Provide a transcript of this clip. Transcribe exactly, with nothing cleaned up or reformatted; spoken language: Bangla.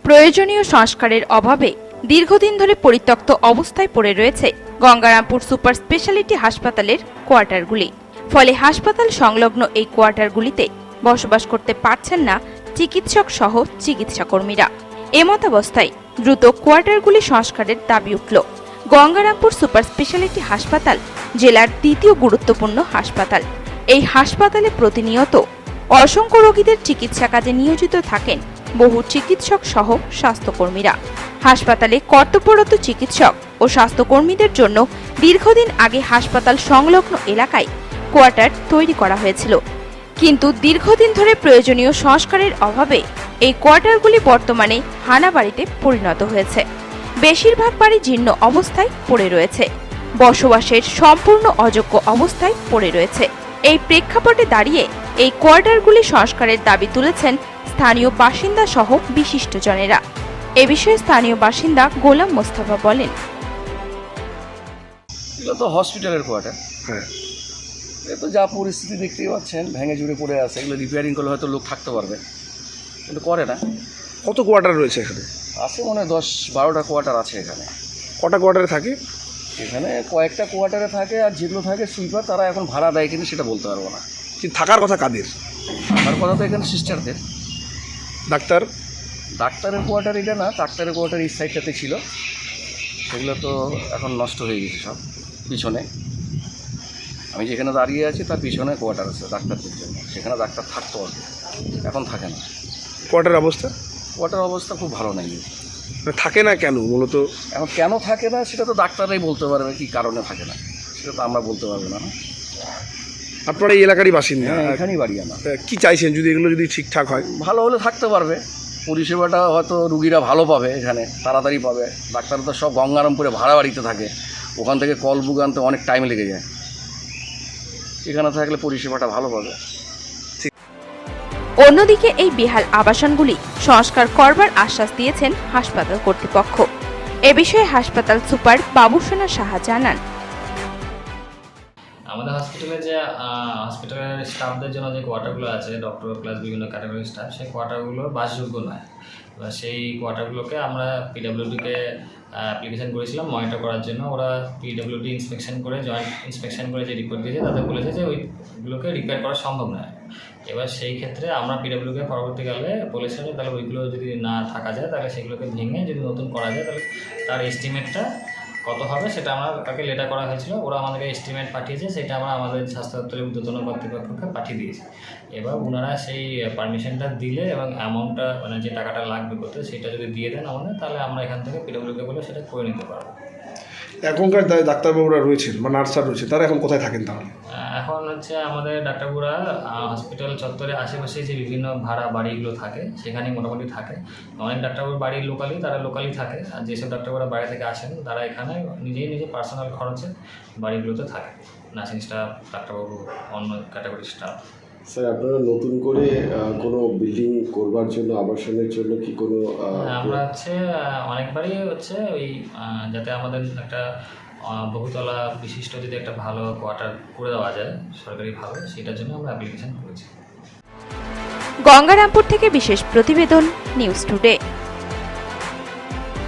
প্রয়োজনীয় সংস্কারের অভাবে দীর্ঘদিন ধরে পরিত্যক্ত অবস্থায় পড়ে রয়েছে গঙ্গারামপুর সুপার স্পেশালিটি হাসপাতালের কোয়ার্টারগুলি। ফলে হাসপাতাল সংলগ্ন এই কোয়ার্টারগুলিতে বসবাস করতে পারছেন না চিকিৎসক সহ চিকিৎসাকর্মীরা। এমতাবস্থায় দ্রুত কোয়ার্টারগুলি সংস্কারের দাবি উঠল। গঙ্গারামপুর সুপার স্পেশালিটি হাসপাতাল জেলার দ্বিতীয় গুরুত্বপূর্ণ হাসপাতাল। এই হাসপাতালে প্রতিনিয়ত অসংখ্য রোগীদের চিকিৎসা কাজে নিয়োজিত থাকেন বহু চিকিৎসক সহ স্বাস্থ্যকর্মীরা। হাসপাতালে কর্তব্যরত চিকিৎসক ও স্বাস্থ্যকর্মীদের জন্য দীর্ঘদিন আগে হাসপাতাল সংলগ্ন এলাকায় কোয়ার্টার তৈরি করা হয়েছিল, কিন্তু দীর্ঘদিন ধরে প্রয়োজনীয় সংস্কারের অভাবে এই কোয়ার্টারগুলি বর্তমানে হানা বাড়িতে পরিণত হয়েছে। বেশিরভাগ বাড়ি জীর্ণ অবস্থায় পড়ে রয়েছে, বসবাসের সম্পূর্ণ অযোগ্য অবস্থায় পড়ে রয়েছে। এই প্রেক্ষাপটে দাঁড়িয়ে এই কোয়ার্টারগুলি সংস্কারের দাবি তুলেছেন স্থানীয় বাসিন্দা সহ বিশিষ্টজনেরা। এ বিষয়ে স্থানীয় বাসিন্দা গোলাম মোস্তফা বলেন, এগুলো তো হসপিটালের কোয়ার্টার। হ্যাঁ, এ তো যা পরিস্থিতি দেখতেই পাচ্ছেন, ভেঙে চুরে পড়ে আছে। এগুলো রিপেয়ারিং করলে হয়তো লোক থাকতে পারবে, কিন্তু করে না। কত কোয়ার্টার রয়েছে এখানে? আছে মনে হয় দশ বারোটা কোয়ার্টার আছে এখানে। কটা কোয়ার্টারে থাকে? এখানে কয়েকটা কোয়ার্টারে থাকে, আর যেগুলো থাকে সুইপার তারা এখন ভাড়া দেয় কিনা সেটা বলতে পারবো না। কিন্তু থাকার কথা কাদের? থাকার কথা তো এখানে সিস্টারদের। ডাক্তার ডাক্তারের কোয়ার্টার এটা না, ডাক্তারের কোয়ার্টার এই সাইডটাতে ছিল, সেগুলো তো এখন নষ্ট হয়ে গেছে সব। পিছনে আমি যেখানে দাঁড়িয়ে আছি তার পিছনে কোয়ার্টার আছে ডাক্তারদের জন্য, সেখানে ডাক্তার থাকতো আগে, এখন থাকে না। কোয়ার্টার অবস্থা? কোয়ার্টার অবস্থা খুব ভালো নেই। মানে থাকে না কেন মূলত? এখন কেন থাকে না সেটা তো ডাক্তাররাই বলতে পারবে, কী কারণে থাকে না সেটা তো আমরা বলতে পারবো না। আপনারা এই এলাকারই বাসিন্দা? হ্যাঁ, এখানেই বাড়ি আমার। কি চাইছেন যদি এগুলো যদি ঠিকঠাক হয়? ভালো হলে থাকতে পারবে, পরিষেবাটা হয়তো রুগীরা ভালো পাবে, এখানে তাড়াতাড়ি পাবে। ডাক্তার তো সব গঙ্গারামপুরে ভাড়া বাড়িতে থাকে, ওখান থেকে কল বুক আনতে অনেক টাইম লেগে যায়। এখানে থাকলে পরিষেবাটা ভালো পাবে। অন্যদিকে এই বেহাল আবাসনগুলি সংস্কার করবার আশ্বাস দিয়েছেন হাসপাতাল কর্তৃপক্ষ। এ বিষয়ে হাসপাতাল সুপার বাবুসোনা সাহা জানান, আমাদের হসপিটালে যে হসপিটালের স্টাফদের জন্য যে কোয়ার্টারগুলো আছে, ডক্টর প্লাস বিভিন্ন ক্যাটাগরির স্টাফ, সেই কোয়ার্টারগুলো বাসযোগ্য নয়। এবার সেই কোয়ার্টারগুলোকে আমরা পিডাব্লিউডিকে অ্যাপ্লিকেশন করেছিলাম মনিটর করার জন্য। ওরা পিডাব্লিউডি ইন্সপেকশন করে, জয়েন্ট ইন্সপেকশন করে যে রিপোর্ট দিয়েছে তাদের বলেছে যে ওইগুলোকে রিপেয়ার করা সম্ভব নয়। এবার সেই ক্ষেত্রে আমরা পিডাব্লিউকে পরবর্তীকালে বলেছিলাম যে তাহলে ওইগুলো যদি না থাকা যায় তাহলে সেগুলোকে ভেঙে যদি নতুন করা যায় তাহলে তার এস্টিমেটটা কত হবে সেটা আমরা তাকে লেটার করা হয়েছিল। ওরা আমাদেরকে এস্টিমেট পাঠিয়েছে, সেটা আমরা আমাদের স্বাস্থ্য দপ্তরের ঊর্ধ্বতন কর্তৃপক্ষকে পাঠিয়ে দিয়েছি। এবার ওনারা সেই পারমিশনটা দিলে এবং অ্যামাউন্টটা মানে যে টাকাটা লাগবে করতে সেটা যদি দিয়ে দেন আমাদের, তাহলে আমরা এখান থেকে পিডব্লিউকে বলে সেটা করে নিতে পারবো। এখনকার ডাক্তারবাবুরা রয়েছেন বা নার্সরা রয়েছে, তারা এখন কোথায় থাকেন তাহলে? এখন হচ্ছে আমাদের ডাক্তারবাবুরা হসপিটাল চত্বরে আশেপাশে যে বিভিন্ন ভাড়া বাড়িগুলো থাকে সেখানেই মোটামুটি থাকে। অনেক ডাক্তারবাবুর বাড়ি লোকালি, তারা লোকালি থাকে। আর যেসব ডাক্তারবাবুরা বাইরে থেকে আসেন তারা এখানে নিজেই নিজে পার্সোনাল খরচে বাড়িগুলোতে থাকে। নার্সিং স্টাফ, ডাক্তারবাবু, অন্য ক্যাটাগরির স্টাফ। স্যার, আপনারা নতুন করে কোনো বিল্ডিং করবার জন্য, আবাসনের জন্য কি কোনো? আমরা হচ্ছে অনেকবারই হচ্ছে ওই যাতে আমাদের একটা বহুতলা বিশিষ্ট যদি একটা ভালো কোয়ার্টার করে দেওয়া যায় সরকারিভাবে, সেটার জন্য আমরা অ্যাপ্লিকেশন করেছি। গঙ্গারামপুর থেকে বিশেষ প্রতিবেদন, নিউজ টুডে।